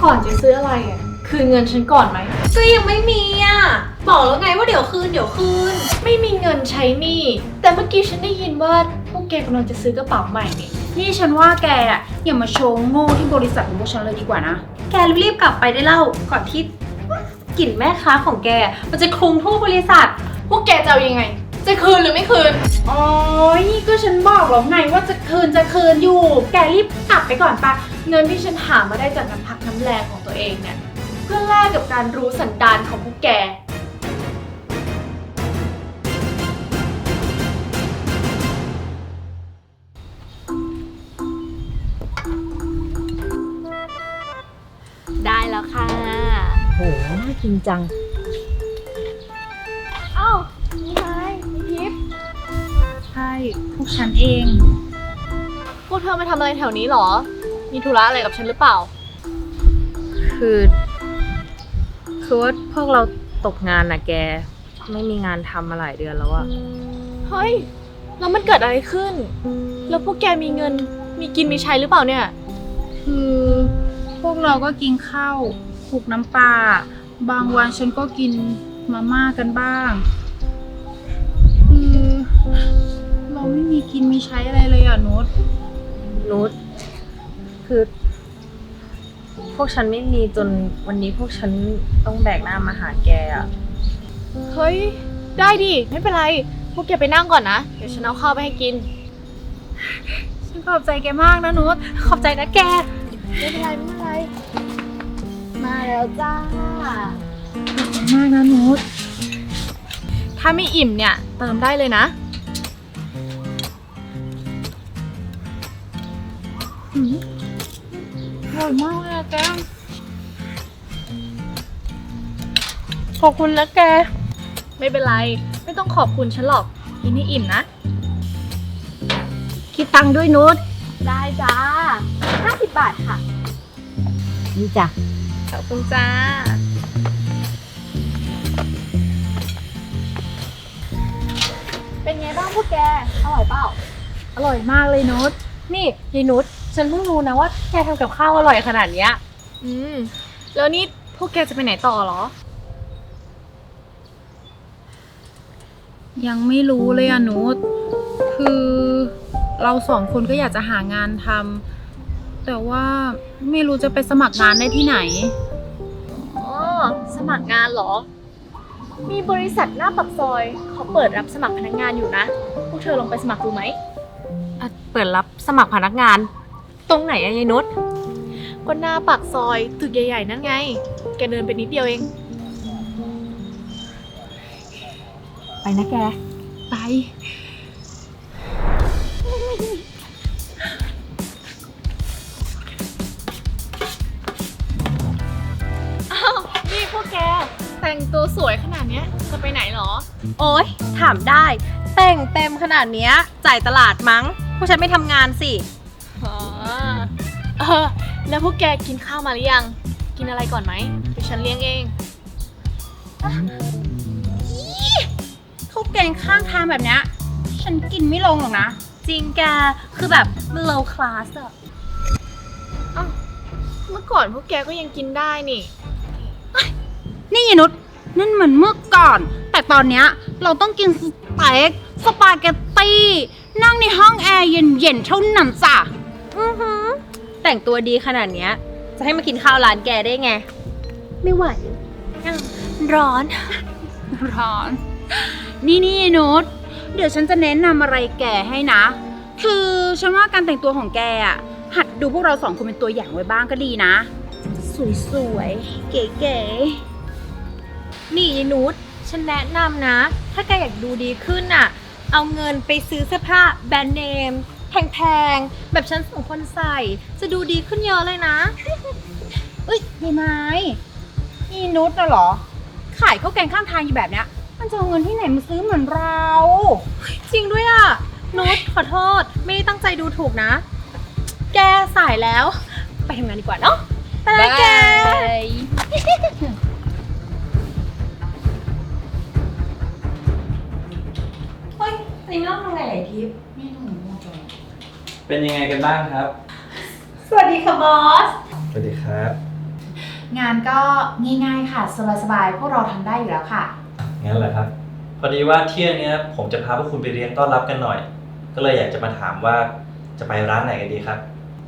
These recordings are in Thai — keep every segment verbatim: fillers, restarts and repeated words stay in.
ก่อนจะซื้ออะไรอ่ะคืนเงินฉันก่อนไหมก็ยังไม่มีอ่ะบอกแล้วไงว่าเดี๋ยวคืนเดี๋ยวคืนไม่มีเงินใช้หนี้แต่เมื่อกี้ฉันได้ยินว่าพวกแกกำลังจะซื้อกระเป๋าใหม่นี่นี่ฉันว่าแกอ่ะอย่ามาโชว์โง่ที่บริษัทของพวกฉันเลยดีกว่านะแกรีบกลับไปได้เล่าก่อนที่กลิ่นแม่ค้าของแกมันจะคลุมทั่วบริษัทพวกแกจะเอายังไงจะคืนหรือไม่คืนอ๋อนี่ก็ฉันบอกแล้วไงว่าจะคืนจะคืนอยู่แกรีบกลับไปก่อนปะเงินที่ฉันหามาได้จากน้ำพักน้ำแรงของตัวเองเนี่ยเพื่อแลกกับการรู้สันดานของพวกแกได้แล้วค่ะโหน่ากินจังเอ้ามีไงมีทิพย์ใช่พวกฉันเองพวกเธอมาทำอะไรแถวนี้หรอมีธุระอะไรกับฉันหรือเปล่าคือคือว่าพวกเราตกงานนะแกไม่มีงานทำมาหลายเดือนแล้วอะเฮ้ยแล้วมันเกิดอะไรขึ้นแล้วพวกแกมีเงินมีกินมีใช้หรือเปล่าเนี่ยคือพวกเราก็กินข้าวคลุกน้ำปลาบางวันฉันก็กินมาม่ากันบ้างคือเราไม่มีกินมีใช้อะไรเลยอ่ะนุชนุชคือพวกฉันไม่มีจนวันนี้พวกฉันต้องแบกหน้ามาหาแกอะเฮ้ยได้ดิไม่เป็นไรพวกแกไปนั่งก่อนนะเดี๋ยวฉันเอาข้าวไปให้กินฉันขอบใจแกมากนะนุชขอบใจนะแกไม่เป็นไรไม่เป็นไรมาแล้วจ้าขอบใจมากนะนุชถ้าไม่อิ่มเนี่ยเติมได้เลยนะอร่อยมากเลยอะแกขอบคุณนะแกไม่เป็นไรไม่ต้องขอบคุณฉันหรอกกินให้อิ่มนะคิดตังค์ด้วยนุชได้จ้าห้าสิบบาทค่ะนี่จ้ะขอบคุณจ้าเป็นไงบ้างพวกแกอร่อยเปล่าอร่อยมากเลยนุชนี่ยายนุชฉันเพิ่งรู้นะว่าแกทำกับข้าวอร่อยขนาดเนี้ยอืมแล้วนี่พวกแกจะไปไหนต่อหรอยังไม่รู้เลยอะนุชคือเราสองคนก็อยากจะหางานทำแต่ว่าไม่รู้จะไปสมัครงานได้ที่ไหนอ๋อสมัครงานเหรอมีบริษัทหน้าปากซอยเขาเปิดรับสมัครพนักงานอยู่นะพวกเธอลองไปสมัครดูไหมเปิดรับสมัครพนักงานตรงไหนอะยายนุชก็หน้าปากซอยตึกใหญ่ๆนั่นไงแกเดินไปนิดเดียวเองไปนะแกไปอ้าวนี่พวกแกแต่งตัวสวยขนาดนี้จะไปไหนหรอโอ๊ยถามได้แต่งเต็มขนาดเนี้ยจ่ายตลาดมั้งพวกฉันไม่ทำงานสิอ๋อเออแล้วพวกแกกินข้าวมาหรือยังกินอะไรก่อนไหมเดี๋ยวฉันเลี้ยงเองข้าวแกงข้างทางแบบเนี้ยฉันกินไม่ลงหรอกนะจริงแกคือแบบมัน low class อะอ้าวเมื่อก่อนพวกแกก็ยังกินได้นี่นี่ยนุชนั่นเหมือนเมื่อก่อนแต่ตอนเนี้ยเราต้องกินสเต็กสปาเกตตี้นั่งในห้องแอร์เย็นๆเท่านั้นจ้ะอือหือแต่งตัวดีขนาดเนี้ยจะให้มากินข้าวร้านแกได้ไงไม่ไหวร้อนร้อนนี่นี่นุชเดี๋ยวฉันจะแนะนำอะไรแกให้นะคือฉันว่าการแต่งตัวของแกอ่ะหัดดูพวกเราสองคนเป็นตัวอย่างไว้บ้างก็ดีนะสวยๆเก๋ๆนี่ยายนุชฉันแนะนำนะถ้าแกอยากดูดีขึ้นน่ะเอาเงินไปซื้อเสื้อผ้าแบรนด์เนมแพงๆแบบฉันสองคนใส่จะดูดีขึ้นเยอะเลยนะเอ้ยพี่ไม้นี่นุชน่ะเหรอขายข้าวแกงข้างทางอยู่แบบเนี้ยมันจะเอาเงินที่ไหนมาซื้อเหมือนเราจริงด้วยอ่ะนุชขอโทษไม่ได้ตั้งใจดูถูกนะแกสายแล้วไปทำงานดีกว่าเนาะไปเลยแกเฮ้ยนี่ไม่ต้องทำไงไหนทิพย์ไม่ต้องหนูเป็นยังไงกันบ้างครับสวัสดีค่ะบอสสวัสดีครับงานก็ง่ายๆค่ะสบายๆพวกเราทำได้อยู่แล้วค่ะงั้นเหรอครับ พอดีว่าเที่ยงเนี้ยผมจะพาพวกคุณไปเลี้ยงต้อนรับกันหน่อย ก็เลยอยากจะมาถามว่าจะไปร้านไหนกันดีครับ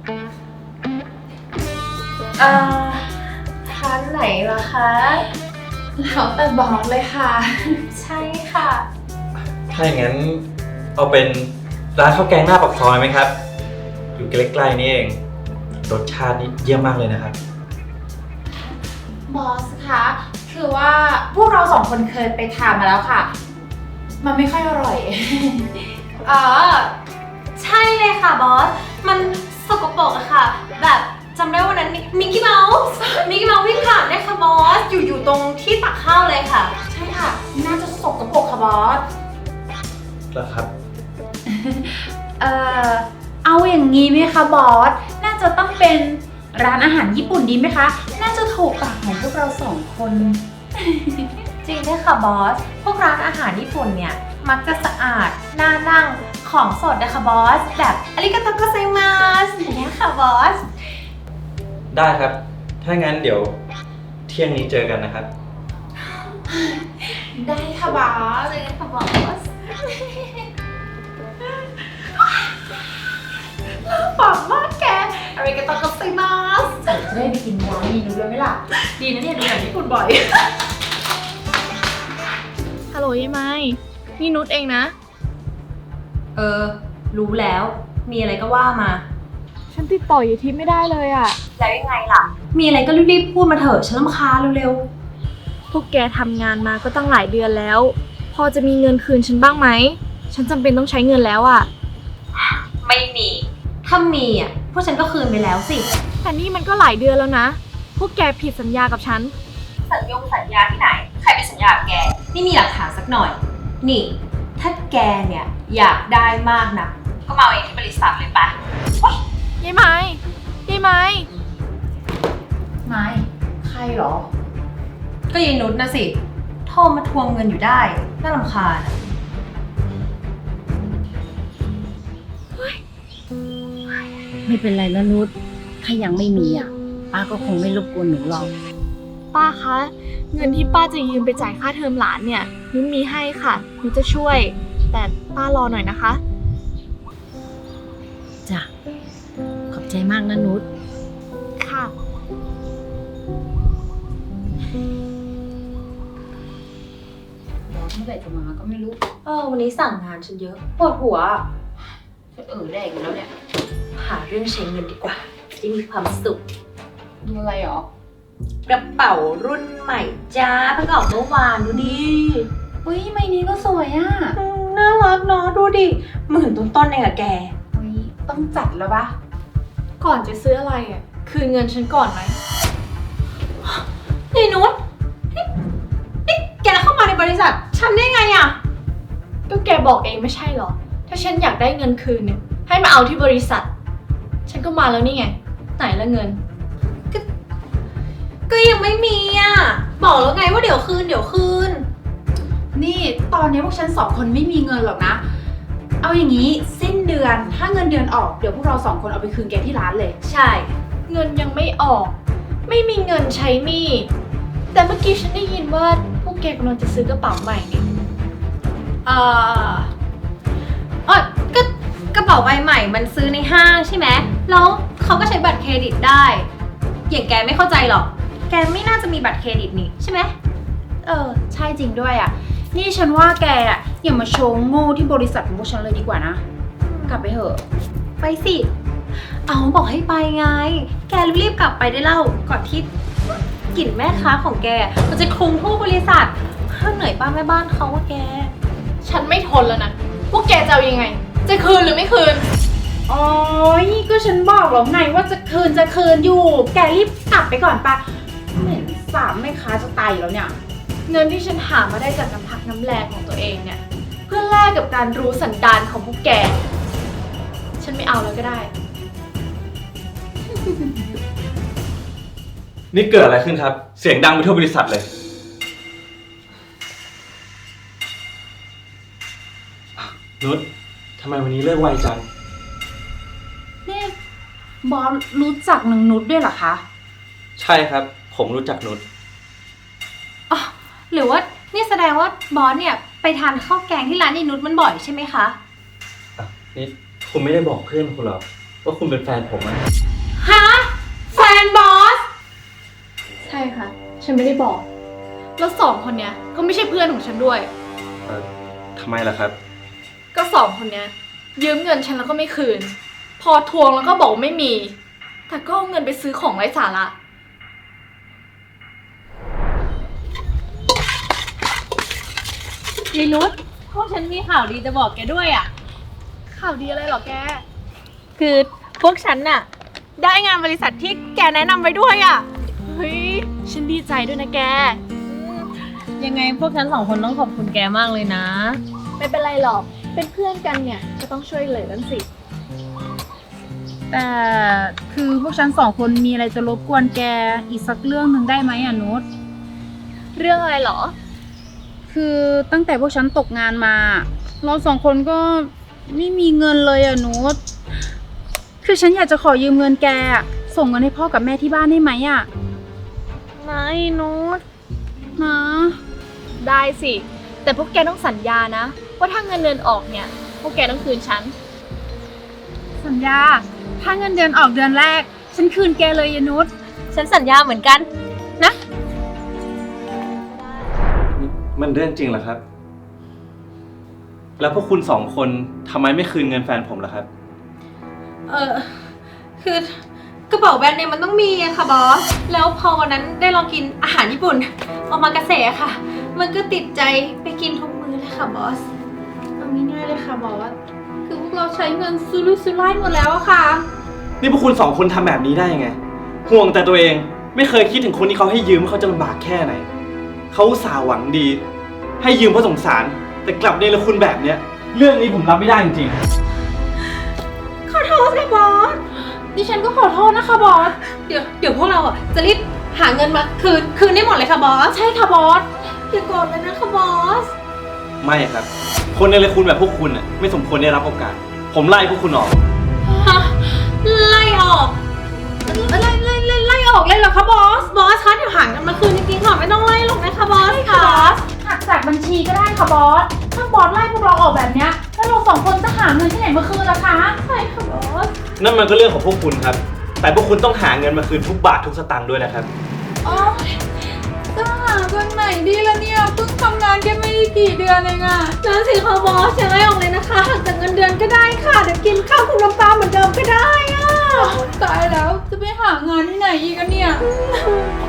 เอ่อร้านไหนล่ะคะแล้วแต่บอกเลยค่ะ ใช่ค่ะถ้าอย่างนั้นเอาเป็นร้านข้าวแกงหน้าปากซอยไหมครับ อยู่ใกล้ๆนี่เอง รสชาตินี่เยี่ยมมากเลยนะครับบอสคะ คือว่าพวกเราสองคนเคยไปทานมาแล้วค่ะ มันไม่ค่อยอร่อยอ๋อ ใช่เลยค่ะบอส มันสกปรกอะค่ะ แบบจำได้วันนั้นมิกกี้เมาส์มิกกี้เมาส์วิ่งผ่านเนี่ยค่ะบอส อยู่อยู่ตรงที่ตักข้าวเลยค่ะใช่ค่ะ น่าจะสกปรกค่ะบอสแล้วครับเอ่อ เอาอย่างนี้ไหมคะบอส น่าจะต้องเป็นร้านอาหารญี่ปุ่นดีไหมคะ น่าจะถูกปากของพวกเราสองคนจริงด้วยค่ะบอส พวกร้านอาหารญี่ปุ่นเนี่ย มักจะสะอาด น่านั่ง ของสดนะคะบอส แบบอาริกาโตโกไซมาสอย่างเงี้ยค่ะบอสได้ครับ ถ้างั้นเดี๋ยวเที่ยงนี้เจอกันนะครับได้ค่ะบอสเจอกันค่ะบอสฝังมากแกอะไรกันตอนกับไซมาสจะได้ไปกินร้านนี้นู้นเลยไหมล่ะ ดีนะเนี่ยดูหนังญี่ปุ่นบ่อยฮัลโหลยายไม้นี่นุชเองนะเออ รู้แล้ว มีอะไรก็ว่ามาฉันติดต่อยายทิพย์ไม่ได้เลยอะแล้วยังไงล่ะ มีอะไรก็รีบๆพูดมาเถอะ ฉันรำคาญเร็วพวกแกทำงานมาก็ตั้งหลายเดือนแล้ว พอจะมีเงินคืนฉันบ้างไหม ฉันจำเป็นต้องใช้เงินแล้วอะๆ ไม่มี ถ้ามีอ่ะ พวกฉันก็คืนไปแล้วสิแต่นี่มันก็หลายเดือนแล้วนะ พวกแกผิดสัญญากับฉันสัญญงสัญญาที่ไหน ใครไปสัญญากับแก นี่มีหลักฐานสักหน่อย นี่ ถ้าแกเนี่ยอยากได้มากนะก็มาเอาเองที่บริษัทเลยไปยายไม้ยายไม้ไม่ ใครเหรอก็ยายนุชนะสิ โทรมาทวงเงินอยู่ได้ น่ารำคาญอะไม่เป็นไรนะนุชถ้ายังไม่มีอ่ะ ป้าก็คงไม่รบกวนหนูหรอกป้าคะ เงินที่ป้าจะยืมไปจ่ายค่าเทอมหลานเนี่ยนุชมีให้ค่ะนุชจะช่วย แต่ป้ารอหน่อยนะคะจ้ะ ขอบใจมากนะนุชค่ะเมื่อไหร่จะมาก็ไม่รู้เออวันนี้สั่งงานฉันเยอะปวดหัวจะเออแดกอยู่แล้วเนี่ยหาเรื่องใช้เงินดีกว่าจะมีความสุขดูอะไรหรอกระเป๋ารุ่นใหม่จ้าเพิ่งออกเมื่อวานดูดิอุ้ยใบนี้ก็สวยอ่ะอืมน่ารักเนาะดูดิหมื่นต้นๆเองอะแกอุ้ยต้องจัดแล้วปะก่อนจะซื้ออะไรอะคืนเงินฉันก่อนไหมนี่นุชนี่นี่แกเข้ามาในบริษัท ฉันได้ไงอะก็แกบอกเองไม่ใช่เหรอ ถ้าฉันอยากได้เงินคืนเนี่ย ให้มาเอาที่บริษัท ฉันก็มาแล้วนี่ไง ไหนละเงินก็ยังไม่มีอะบอกแล้วไงว่าเดี๋ยวคืนเดี๋ยวคืนนี่ตอนนี้พวกฉันสองคนไม่มีเงินหรอกนะ เอาอย่างนี้สิ้นเดือนถ้าเงินเดือนออกเดี๋ยวพวกเราสองคนเอาไปคืนแกที่ร้านเลยใช่เงินยังไม่ออก ไม่มีเงินใช้หนี้ แต่เมื่อกี้ฉันได้ยินว่าพวกแกกำลังจะซื้อกระเป๋าใหม่นี่เอ่อเออก็กระเป๋าใบใหม่มันซื้อในห้างใช่ไหมแล้วเขาก็ใช้บัตรเครดิตได้ อย่างแกไม่เข้าใจหรอก แกไม่น่าจะมีบัตรเครดิตนี่ใช่ไหมเออ ใช่จริงด้วยอ่ะ นี่ฉันว่าแกอ่ะอย่ามาโชว์โง่ที่บริษัทของพวกฉันเลยดีกว่านะ กลับไปเถอะไปสิ เอาบอกให้ไปไง แกรีบๆกลับไปได้เล่าก่อนที่กลิ่นแม่ค้าของแก มันจะคลุมทั่วบริษัทเหนื่อยป้าแม่บ้านเขาว่าแกฉันไม่ทนแล้วนะ พวกแกจะเอายังไง จะคืนหรือไม่คืนโอ้ยก็ฉันบอกแล้วไงว่าจะคืนจะคืนอยู่ แกรีบกลับไปก่อนปะเหม็นสามแม่ค้าจะตายอยู่แล้วเนี่ยเงินที่ฉันหามาได้จากน้ำพักน้ำแรงของตัวเองเนี่ย เพื่อแลกกับการรู้สันดานของพวกแก ฉันไม่เอาแล้วก็ได้นี่เกิดอะไรขึ้นครับ เสียงดังไปทั่วบริษัทเลย นุชทำไมวันนี้เลิกไวจังนี่บอสรู้จักนางนุชด้วยเหรอคะใช่ครับผมรู้จักนุชอ๋อหรือว่านี่แสดงว่าบอสเนี่ยไปทานข้าวแกงที่ร้านนี่นุชมันบ่อยใช่ไหมคะอ่ะนี่คุณไม่ได้บอกเพื่อนคุณหรอว่าคุณเป็นแฟนผมอะฮะ แฟนบอสใช่ค่ะ ฉันไม่ได้บอก แล้วสองคนเนี้ยก็ไม่ใช่เพื่อนของฉันด้วยเอ่อทำไมล่ะครับก็สองคนเนี้ยยืมเงินฉันแล้วก็ไม่คืน พอทวงแล้วก็บอกว่าไม่มี แต่ก็เอาเงินไปซื้อของไร้สาระยายนุชพวกฉันมีข่าวดีจะบอกแกด้วยอ่ะข่าวดีอะไรเหรอแกคือพวกฉันน่ะ ได้งานบริษัทที่แกแนะนำไว้ด้วยอ่ะเฮ้ย ฉันดีใจด้วยนะแกยังไงพวกฉันสองคนต้องขอบคุณแกมากเลยนะไม่เป็นไรหรอก เป็นเพื่อนกันเนี่ยก็ต้องช่วยเหลือกันสิแต่คือพวกฉันสองคนมีอะไรจะรบกวนแกอีกสักเรื่องหนึ่งได้ไหมอะนุชเรื่องอะไรเหรอคือตั้งแต่พวกฉันตกงานมา เราสองคนก็ไม่มีเงินเลยอะนุชคือฉันอยากจะขอยืมเงินแกอะส่งเงินให้พ่อกับแม่ที่บ้านได้ไหมอะไม่นุชนะได้สิ แต่พวกแกต้องสัญญานะ ว่าถ้าเงินเดือนออกเนี่ย พวกแกต้องคืนฉันสัญญาถ้าเงินเดือนออกเดือนแรก ฉันคืนแกเลยยานุชฉันสัญญาเหมือนกัน นะมันเรื่องจริงเหรอครับ แล้วพวกคุณสองคนทำไมไม่คืนเงินแฟนผมล่ะครับเออคือกระเป๋าแบรนด์เนมมันต้องมีอะค่ะบอส แล้วพอวันนั้นได้ลองกินอาหารญี่ปุ่นออกมากระแสค่ะ มันก็ติดใจไปกินทุกมื้อเลยค่ะบอสเอาง่ายๆเลยค่ะบอส คือพวกเราใช้เงินซื้อลุยซื้อไล่หมดแล้วอะค่ะนี่พวกคุณสองคนทำแบบนี้ได้ยังไง ห่วงแต่ตัวเอง ไม่เคยคิดถึงคนที่เขาให้ยืมว่าเขาจะลำบากแค่ไหน เขาอุตส่าห์หวังดี ให้ยืมเพราะสงสาร แต่กลับเนรคุณแบบเนี้ย เรื่องนี้ผมรับไม่ได้จริงขอโทษค่ะบอสดิฉันก็ขอโทษนะคะบอสเดี๋ยวเดี๋ยวพวกเราอ่ะจะรีบหาเงินมาคืนคืนได้หมดเลยค่ะบอสใช่ค่ะบอสอย่าโกรธเลยนะคะบอสๆ ไม่ครับ คนเนรคุณแบบพวกคุณน่ะไม่สมควรได้รับโอกาส ผมไล่พวกคุณออกฮะ ไล่ออก ไล่ไล่ไล่ไล่ออกเลยเหรอคะบอส บอสคะเดี๋ยวหาเงินมาคืนจริงๆค่ะไม่ต้องไล่หรอกนะคะบอสค่ะหักจากบัญชีก็ได้ค่ะบอส ถ้าบอสไล่พวกเราออกแบบเนี้ยแล้วเราสองคนจะหาเงินที่ไหนมาคืนล่ะคะใช่ค่ะบอสนั่นมันก็เรื่องของพวกคุณครับ แต่พวกคุณต้องหาเงินมาคืนทุกบาททุกสตางค์ด้วยนะครับอ๋อจะหาเงินไหนดีละเนี่ย เพิ่งทำงานแค่ไม่ได้กี่เดือนเองอะนั่นสิคะบอสอย่าไล่ออกเลยนะคะหักจากเงินเดือนก็ได้ค่ะเดี๋ยวกินข้าวคุณน้ำตาเหมือนเดิมก็ได้อะตายแล้ว จะไปหางานที่ไหนอีกอะเนี่ย